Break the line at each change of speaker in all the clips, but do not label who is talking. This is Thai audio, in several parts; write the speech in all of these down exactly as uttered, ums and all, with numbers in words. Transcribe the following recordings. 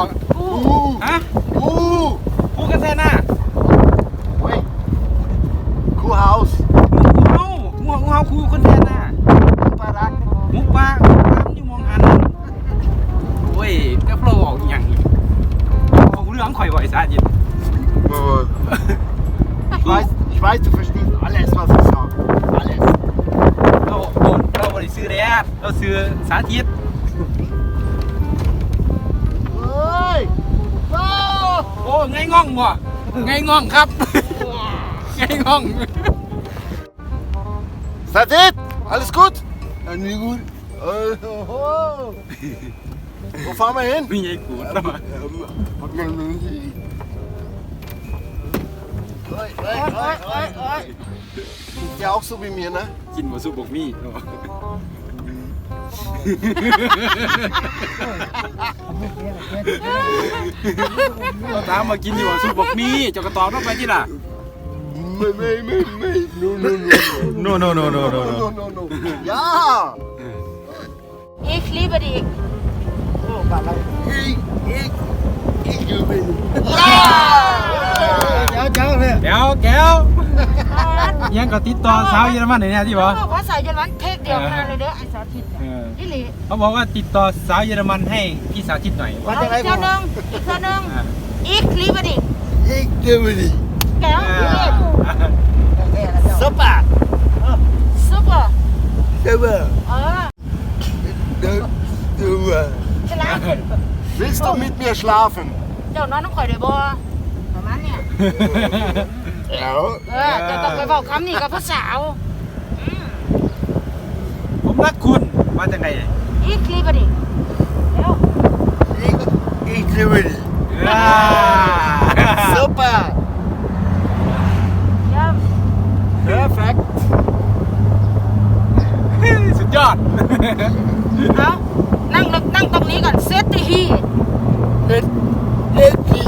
กูฮะ
กู
กูกันแท้น่ะ
เฮ้ยคูเฮาส์
กูเฮากูเฮากูเฮาคูคนแท้น่ะ
ปารัก
หมูปลาหมูปลามันอยู่มองหันโอ้ยก็โปรออกอหย่างอีกของเรื่องข่อยบ่อยซะจิ
Ich weiß, ich weiß, du verstehst alles, was ich sage. Alles.
เราโดนเราบ่ได้ซื้อแดดเราซื้อสาธิต
Hey! Oh!
โอ้ไงง่องบ่ไงง่องครับ ไงง่อง
Ist das it? Alles gut? Ja, nie gut. Oh, oh, oh. Wo fahren wir hin?
มีไงกูดแล้วมา
Oi, oi, oi, oi, oi. Ja, auch so wie mir, ne?
กินบ่สุบกมี่ก็ตามมากินอยู่บ่สุบกมี่เจ้ากระตอบต้องไปที่ล่ะ
Mei, mei, mei, mei. No, no, no.
no no no no
No, no, no. Ja!
Ich liebe dich.
Ich, ich, ich liebe dich.
เดี๋ยวเจ้าเลยเดี๋ยวแก้วยังก็ติดต่อสาวเยอรมันเนี่ยที่บอก
ภาษาเยอรมันเทคเดียวกันเลยเด้อไอ้สาธิตนี่หลี
เขาบอกว่าติดต่อสาวเยอรมันให้พี่สาธิตหน่อย
เอาอีกเท่านึงอีกเท่านึง Ich liebe dich
Ich liebe dich.
แก้ว
Super.
Super
Super.
เออ
Super.
ฉลาด
Willst du mit mir schlafen?
เจ้านอนน้องข่อยได้บ่ประมาณเนี้ย
Ja.
เออจะต้องไปบอกคำนี้กับผู้สาว
ผมรักคุณมาจากไหน
Ich liebe dich แล้ว
Ich, ich liebe dich. Super.
เยี่ยม
Perfekt.
สุดยอด
เอานั่งลงนั่งตรงนี้ก่อนเซตตีฮี
Mit Eti.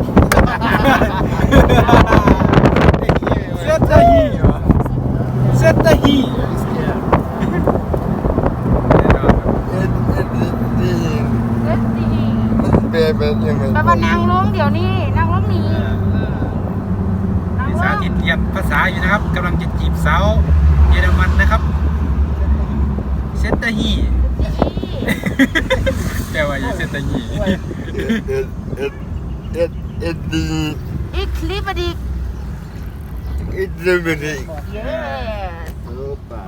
เซตตาฮีเซตตาฮี
เซตตีฮี
Bebe, Junge.
แปลว่านั่งลงเดี๋ยวนี้นั่งลงนี้นั่ง
พี่
ล
สาง ธิตเรียนภาษาอยู่นะครับกำลังจะจีบสาวเยอรมันนะครับเซตตาฮีแปลว่าเซตตาฮี
Eti.
Ich liebe dich
Ich liebe dich.
Yes
Super.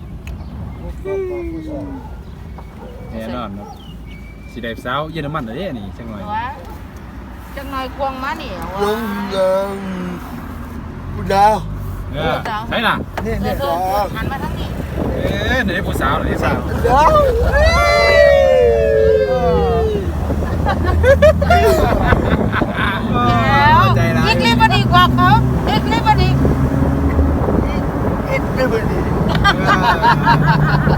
แน่นอนครับสีแดงสาวเยอรมันเหรอเนี่ยนี่จังหน่อย
หัวจังหน่อยควงมาเหนียว
Đúng rồi. Đau.
เออใช่ล่ะ
เออเออหันมาทางนี้
เอ๊ะไหนผู้สาวไหนสาว
Đau.
แล้วอีกลิบดีกว่าเขาอีกลิบดี
Ich liebe dich.